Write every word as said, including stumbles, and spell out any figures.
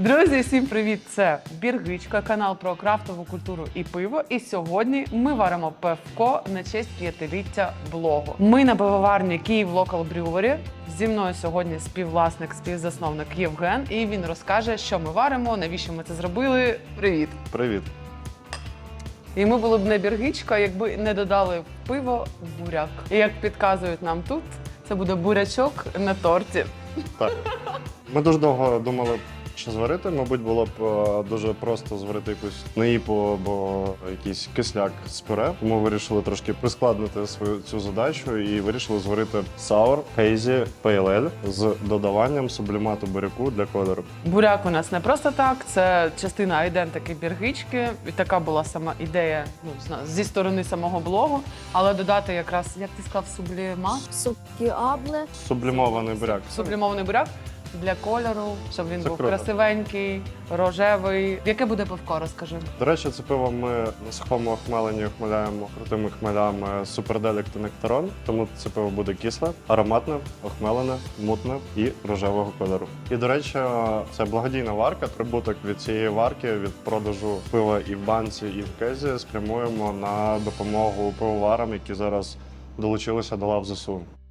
Друзі, всім привіт! Це Біргичка, канал про крафтову культуру і пиво. І сьогодні ми варимо пивко на честь п'ятиліття блогу. Ми на пивоварні Київ Local Brewery. Зі мною сьогодні співвласник, співзасновник Євген. І він розкаже, що ми варимо, навіщо ми це зробили. Привіт! Привіт! І ми були б не Біргичка, якби не додали в пиво буряк. І як підказують нам тут, це буде бурячок на торті. Так. Ми дуже довго думали, що зварити. Мабуть, було б е, дуже просто зварити якусь наїпу або якийсь кисляк з пюре. Тому вирішили трошки прискладнити свою цю задачу і вирішили зварити Sour Hazy Pale Ale з додаванням сублімату буряку для кольору. Буряк у нас не просто так, це частина айдентики Біргички. І така була сама ідея, ну, зна- зі сторони самого блогу. Але додати якраз, як ти сказав, сублімат, Сукіабле. Сублімований буряк. сублімований буряк для кольору, щоб він Це був круто. красивенький, рожевий. Яке буде пивко, розкажи. До речі, це пиво ми на сухому охмеленні охмеляємо крутими хмелями Суперделік та Нектарон. Тому це пиво буде кисле, ароматне, охмелене, мутне і рожевого кольору. І, до речі, це благодійна варка. Прибуток від цієї варки, від продажу пива і в банці, і в кезі спрямуємо на допомогу пивоварам, які зараз долучилися до лав ЗСУ.